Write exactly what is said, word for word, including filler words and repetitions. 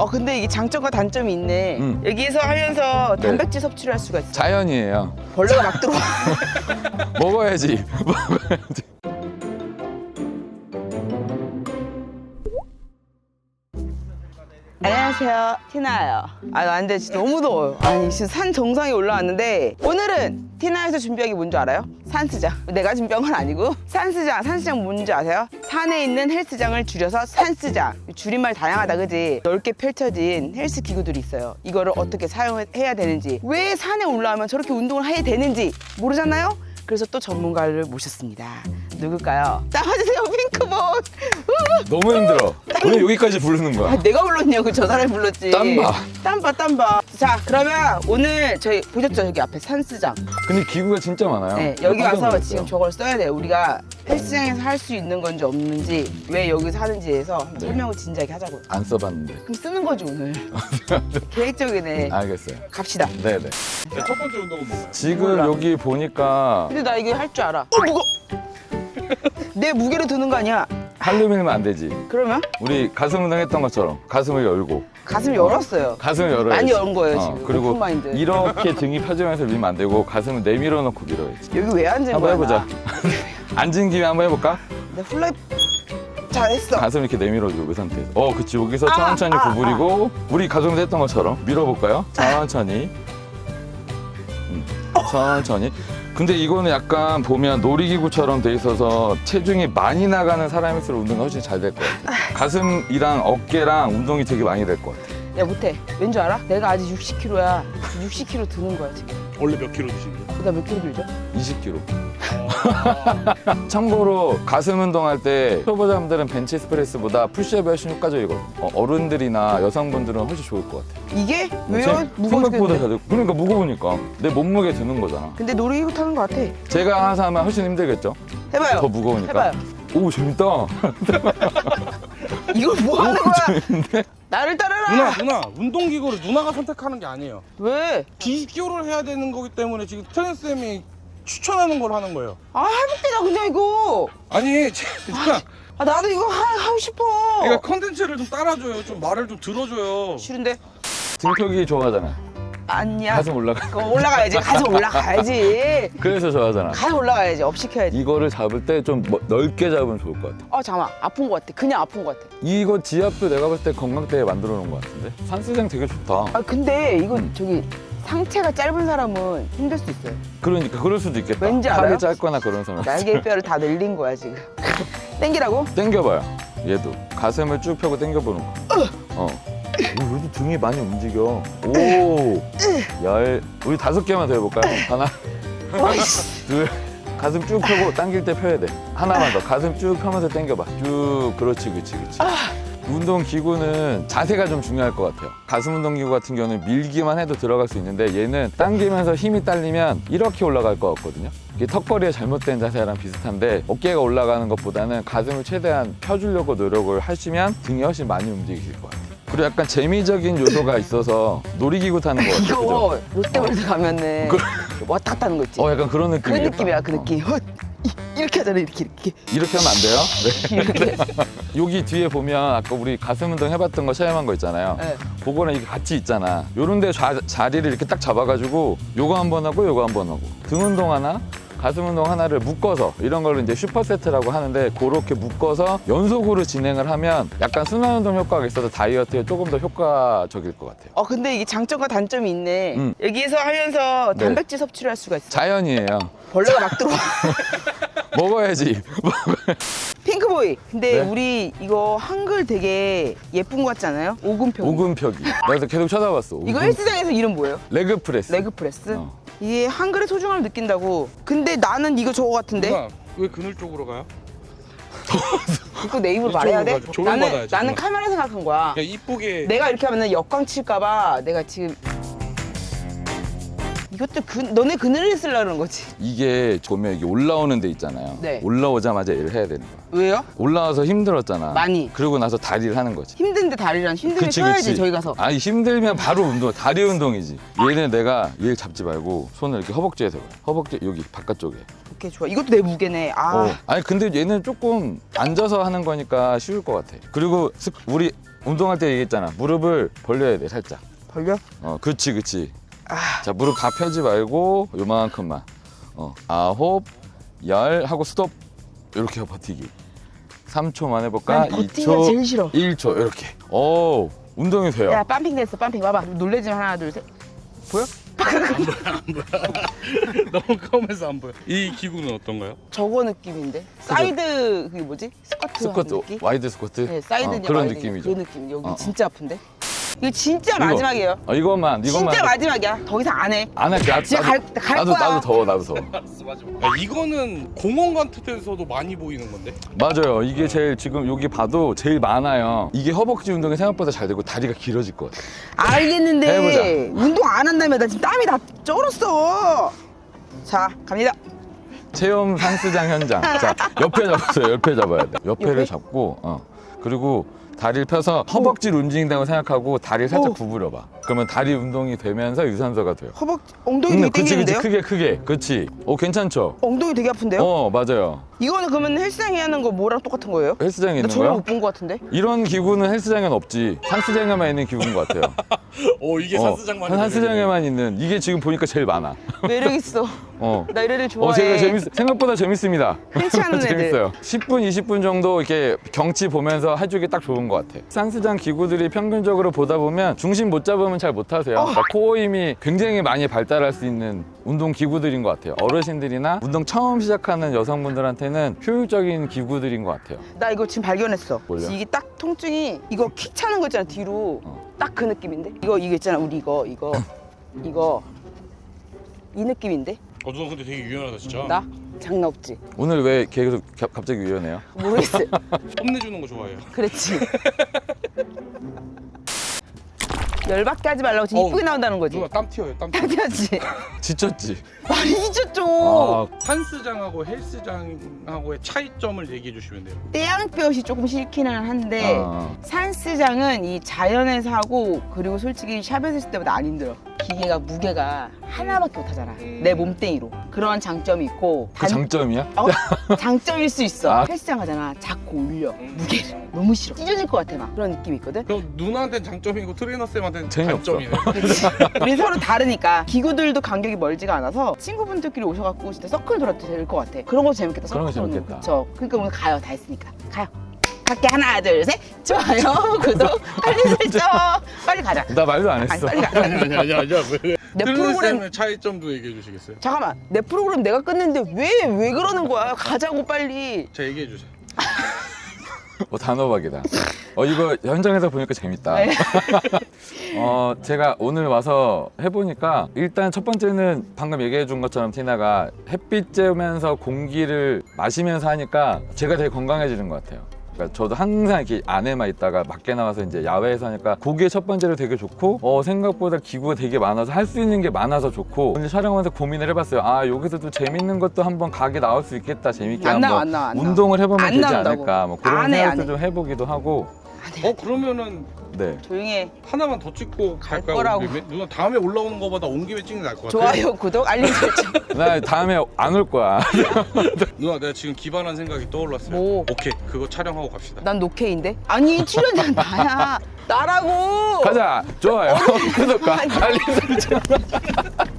어 근데 이게 장점과 단점이 있네. 음. 여기서 하면서 네. 단백질 섭취를 할 수가 있어. 자연이에요. 벌레가 막 들어와. 먹어야지. 먹어야지. 안녕하세요, 티나예요. 아, 근데 진짜 너무 더워요. 아니, 지금 산 정상에 올라왔는데 오늘은 티나에서 준비한 게 뭔지 알아요? 산스장. 내가 준비한 건 아니고 산스장. 산스장 뭔지 아세요? 산에 있는 헬스장을 줄여서 산스장. 줄임말 다양하다, 그지? 넓게 펼쳐진 헬스 기구들이 있어요. 이거를 어떻게 사용해야 되는지, 왜 산에 올라오면 저렇게 운동을 해야 되는지 모르잖아요? 그래서 또 전문가를 모셨습니다. 누굴까요? 나와주세요, 핑크볼. 너무 힘들어. 왜 여기까지 부르는 아, 거야? 내가 불렀냐고, 저 사람이 불렀지. 땀봐. 땀봐, 땀봐. 자, 그러면 오늘 저희 보셨죠? 여기 앞에 산스장. 근데 기구가 진짜 많아요. 네, 여기 깜짝 와서 놀랐어요. 지금 저걸 써야 돼요. 우리가 헬스장에서 할 수 있는 건지 없는지, 왜 여기서 하는지에서 한번 네. 설명을 진지하게 하자고요. 안 써봤는데. 그럼 쓰는 거지, 오늘. 계획적이네. 알겠어요. 갑시다. 네네. 첫 번째 운동은 뭔가요? 지금 몰라. 여기 보니까 근데 나 이거 할 줄 알아. 어, 무거 내 무게로 드는 거 아니야? 팔로 밀면 안 되지. 그러면 우리 가슴 운동 했던 것처럼 가슴을 열고 가슴 열었어요. 가슴을 열어야지. 많이 열은 거예요, 어, 지금. 그리고 오픈마인드. 이렇게 등이 펴지면서 밀면 안 되고 가슴을 내밀어 놓고 밀어야지. 여기 왜 앉은 한번 거야? 해보자. 나? 앉은 김에 한번 해볼까? 내 훌라이 잘했어. 가슴 이렇게 내밀어주고 그 상태에서. 어, 그치. 여기서 아, 천천히 아, 구부리고 우리 가슴에서 했던 것처럼 밀어볼까요? 천천히. 음, 천천히. 근데 이거는 약간 보면 놀이기구처럼 돼 있어서 체중이 많이 나가는 사람일수록 운동이 훨씬 잘 될 것 같아. 가슴이랑 어깨랑 운동이 되게 많이 될 것 같아. 야, 못해. 왠 줄 알아? 내가 아직 육십 킬로야. 육십 킬로 드는 거야, 지금. 원래 몇 킬로 드시는데요? 나 몇 킬로 들죠? 이십 킬로그램. 참고로 가슴 운동할 때 초보자분들은 벤치스프레스보다 푸시업이 훨씬 효과적이거든. 어, 어른들이나 여성분들은 훨씬 좋을 것 같아. 이게? 왜요? 무거워 생각보다 죽겠는데. 잘 돼. 그러니까 무거우니까 내 몸무게 드는 거잖아. 근데 놀이기구 타는 거 같아. 제가 항상 하면 훨씬 힘들겠죠? 해봐요. 더 무거우니까. 해봐요. 오, 재밌다. 이걸 뭐 하는 거야? 재밌네. 나를 따라라! 누나 누나 운동기구를 누나가 선택하는 게 아니에요. 왜? 비교를 해야 되는 거기 때문에 지금 트랜스쌤이 추천하는 걸 하는 거예요. 아, 해볼게, 나 그냥 이거. 아니 제- 누나 아, 나도 이거 하, 하고 싶어. 이거 컨텐츠를 좀 따라줘요. 좀 말을 좀 들어줘요. 싫은데? 등표기 좋아하잖아. 아니야. 가슴 올라가. 그거 올라가야지. 가슴 올라가야지. 그래서 좋아하잖아. 가슴 올라가야지. 업 시켜야지. 이거를 잡을 때 좀 넓게 잡으면 좋을 것 같아. 아, 잠깐만. 아픈 거 같아. 그냥 아픈 거 같아. 이거 지압도 내가 봤을 때 건강대에 만들어 놓은 것 같은데? 산수장 되게 좋다. 아, 근데 이거 음. 저기 상체가 짧은 사람은 힘들 수 있어요. 그러니까 그럴 수도 있겠다. 왠지 알아요? 팔이 짧거나 그런 사람. 날개뼈를 다 늘린 거야, 지금. 땡기라고? 당겨봐요. 얘도 가슴을 쭉 펴고 당겨보는 거. 어. 오, 여기 등이 많이 움직여. 오, 열. 우리 다섯 개만 더 해볼까요? 하나, 와이씨. 둘. 가슴 쭉 펴고 당길 때 펴야 돼. 하나만 더. 가슴 쭉 펴면서 당겨봐. 쭉. 그렇지, 그렇지, 그렇지. 운동 기구는 자세가 좀 중요할 것 같아요. 가슴 운동 기구 같은 경우는 밀기만 해도 들어갈 수 있는데 얘는 당기면서 힘이 딸리면 이렇게 올라갈 것 같거든요. 이게 턱걸이의 잘못된 자세랑 비슷한데 어깨가 올라가는 것보다는 가슴을 최대한 펴주려고 노력을 하시면 등이 훨씬 많이 움직이실 것 같아요. 그리고 약간 재미적인 요소가 있어서 놀이기구 타는 것 같아요. 이거 그죠? 롯데월드 가면은 왔다 갔다 하는 거 있지? 어, 약간 그런 그 느낌이겠다. 느낌이야, 그 어. 느낌. 헛, 이- 이렇게 하잖아, 이렇게, 이렇게. 이렇게 하면 안 돼요? 네. 이렇게. 여기 뒤에 보면 아까 우리 가슴 운동 해봤던 거 체험한 거 있잖아요. 네. 그거랑 이게 같이 있잖아. 요런 데 좌, 자리를 이렇게 딱 잡아가지고 요거 한 번 하고 요거 한 번 하고 등 운동 하나 가슴 운동 하나를 묶어서 이런 걸 이제 슈퍼세트라고 하는데 그렇게 묶어서 연속으로 진행을 하면 약간 순환 운동 효과가 있어서 다이어트에 조금 더 효과적일 것 같아요. 어, 근데 이게 장점과 단점이 있네. 음. 여기서 하면서 네. 단백질 섭취를 할 수가 있어. 자연이에요. 벌레가 막 들어와. 먹어야지. 핑크보이. 근데 네. 우리 이거 한글 되게 예쁜 거 같지 않아요? 오금평. 오금펴기. 나 그래서 계속 쳐다봤어. 이거 오금- 헬스장에서 이름 뭐예요? 레그 프레스. 레그 프레스? 어. 이게 한글의 소중함을 느낀다고. 근데 나는 이거 저거 같은데? 누나 왜 그늘 쪽으로 가요? 이거 내 입으로 말해야 돼? 가죠. 나는, 조명받아야지, 나는 누나. 카메라 생각한 거야. 그냥 이쁘게 내가 이렇게 하면 역광 칠까봐 내가 지금 이것도 그, 너네 그늘을 쓰려고 그러는 거지. 이게 보면 이게 올라오는 데 있잖아요. 네. 올라오자마자 일을 해야 되는 거야. 왜요? 올라와서 힘들었잖아. 많이. 그러고 나서 다리를 하는 거지. 힘든데 다리랑 힘들게 그치, 쳐야지 그치. 저희 가서. 아니 힘들면 바로 운동, 다리 운동이지. 얘는 내가 얘 잡지 말고 손을 이렇게 허벅지에서 봐. 허벅지 여기 바깥쪽에. 오케이, 좋아. 이것도 내 무게네. 아, 어. 아니 근데 얘는 조금 앉아서 하는 거니까 쉬울 것 같아. 그리고 습- 우리 운동할 때 얘기했잖아. 무릎을 벌려야 돼, 살짝. 벌려? 어, 그치, 그치. 아, 자, 무릎 다 펴지 말고 요만큼만. 어, 아홉, 열 하고 스톱. 이렇게 버티기. 삼 초만 해볼까? 난 버티기가 제일 싫어. 일 초 이렇게. 오, 운동이 돼요. 야, 빰핑 됐어, 빰핑. 봐봐. 놀래지 마. 하나, 둘, 셋. 보여? 너무 검해서 안 보여. 이 기구는 어떤가요? 저거 느낌인데? 사이드, 그게 뭐지? 스쿼트 하는 스쿼트, 느낌? 와이드 스쿼트. 네, 사이드 어, 그냥 그런 와이드 느낌이죠. 그 느낌. 여기 어, 어. 진짜 아픈데? 이거 진짜 이거. 마지막이에요. 어, 이것만, 이것만. 진짜 마지막이야. 더 이상 안 해. 안 할게. 나, 진짜 나도, 갈- 갈 나도, 거야. 나도 더워, 나도 더워. 알았어, 마지막. 야, 이거는 공원 같은 데서도 많이 보이는 건데? 맞아요. 이게 제일 지금 여기 봐도 제일 많아요. 이게 허벅지 운동이 생각보다 잘 되고 다리가 길어질 것 같아. 알겠는데 해보자. 운동 안 한다며. 나 지금 땀이 다 쩔었어. 자, 갑니다. 체험 산스장 현장. 자, 옆에 잡으세요. 옆에 잡아야 돼. 옆에를 옆에? 잡고, 어. 그리고 다리를 펴서 허벅지를 움직인다고 생각하고 다리를 살짝 오. 구부려봐. 그러면 다리 운동이 되면서 유산소가 돼요. 허벅지, 엉덩이 되게 응, 그치, 그치. 땡기는데요? 크게, 크게. 그치. 오, 괜찮죠? 엉덩이 되게 아픈데요? 어, 맞아요. 이거는 그러면 헬스장에 하는 거 뭐랑 똑같은 거예요? 헬스장에 나 있는 전혀 거요? 못 본 거 같은데? 이런 기구는 헬스장에는 없지. 산스장에만 있는 기구인 것 같아요. 오, 이게 어, 산스장만 산스장에만 있는. 이게 지금 보니까 제일 많아. 매력 있어. 어. 나 이런 애 좋아해. 어, 제가 재밌, 생각보다 재밌습니다. 흔치 않은 애들. 재밌어요. 십 분, 이십 분 정도 이렇게 경치 보면서 해주기 딱 좋은 것 같아. 산스장 기구들이 평균적으로 보다 보면 중심 못 잡으면 잘 못 하세요. 어. 그러니까 코어 힘이 굉장히 많이 발달할 수 있는 운동 기구들인 것 같아요. 어르신들이나 운동 처음 시작하는 여성분들한테는 효율적인 기구들인 것 같아요. 나 이거 지금 발견했어. 뭘요? 이게 딱 통증이 이거 킥 차는 거 있잖아 뒤로. 어. 딱 그 느낌인데? 이거 이거 있잖아 우리 이거 이거 이거 이 느낌인데? 어, 누나 근데 되게 유연하다 진짜. 나 장난 없지. 오늘 왜 계속 가- 갑자기 유연해요? 모르겠어. 뽐내주는 거 좋아해요. 그렇지. 열받게 하지 말라고 지금 어우, 이쁘게 나온다는 거지. 누나 땀 튀어요, 땀 튀어. 당연하지. 지쳤지? 많이 지쳤죠. 아, 산스장하고 헬스장하고의 차이점을 얘기해 주시면 돼요. 떼양볕이 조금 싫기는 한데 아. 산스장은 이 자연에서 하고 그리고 솔직히 샵에서 했을 때보다 안 힘들어. 기계가 무게가 하나밖에 못 하잖아. 내 몸뚱이로. 그런 장점이 있고 그 장점이야? 어? 장점일 수 있어. 아. 헬스장 가잖아. 자꾸 올려. 무게를. 너무 싫어. 찢어질 것 같아 막. 그런 느낌이 있거든. 그럼 누나한테는 장점이고 트레이너 쌤한테는 재미없어. 단점이네. 그치? 우리 서로 다르니까 기구들도 간격이 멀지가 않아서 친구분들끼리 오셔갖고 진짜 서클 돌아도 될 것 같아. 그런 거 재밌겠다. 그런 거 서클 도는 재밌겠다. 그쵸? 그러니까 오늘 가요. 다 했으니까 가요. 갈게. 하나 둘 셋. 좋아요. 구독 알림 설정. 빨리 가자. 나 말도 안 아니 했어. 빨리 가. 아니 아니 아니 아니 왜? 내 트레이너 프로그램 쌤의 차이점도 얘기해 주시겠어요? 잠깐만. 내 프로그램 내가 끝냈는데 왜 왜 그러는 거야? 가자고 빨리. 자 얘기해 주세요. 어, 단호박이다. 어, 이거 현장에서 보니까 재밌다. 네. 어, 제가 오늘 와서 해보니까 일단 첫 번째는 방금 얘기해 준 것처럼 티나가 햇빛 쬐면서 공기를 마시면서 하니까 제가 되게 건강해지는 것 같아요. 그러니까 저도 항상 이렇게 안에만 있다가 밖에 나와서 이제 야외에서 하니까 그게 첫 번째로 되게 좋고 어, 생각보다 기구가 되게 많아서 할 수 있는 게 많아서 좋고 오늘 촬영하면서 고민을 해봤어요. 아 여기서도 재밌는 것도 한번 각이 나올 수 있겠다. 재밌게 안 한번 나와, 안 나와, 안 나와. 운동을 해보면 안 되지 나온다고. 않을까 뭐 그런 안 해, 생각도 안 좀 해보기도 하고 어 그러면은 네. 조용히 해. 하나만 더 찍고 갈 갈까요? 거라고. 우리? 누나 다음에 올라오는 거보다 온 김에 찍는 게 나을 것 같아요. 좋아요. 구독 알림 설정. 나 다음에 안 올 거야. 누나 내가 지금 기발한 생각이 떠올랐어요. 뭐? 오케이 그거 촬영하고 갑시다. 난 노케인데? 아니 출연자 나야. 나라고. 가자. 좋아요. 구독과 알림 설정.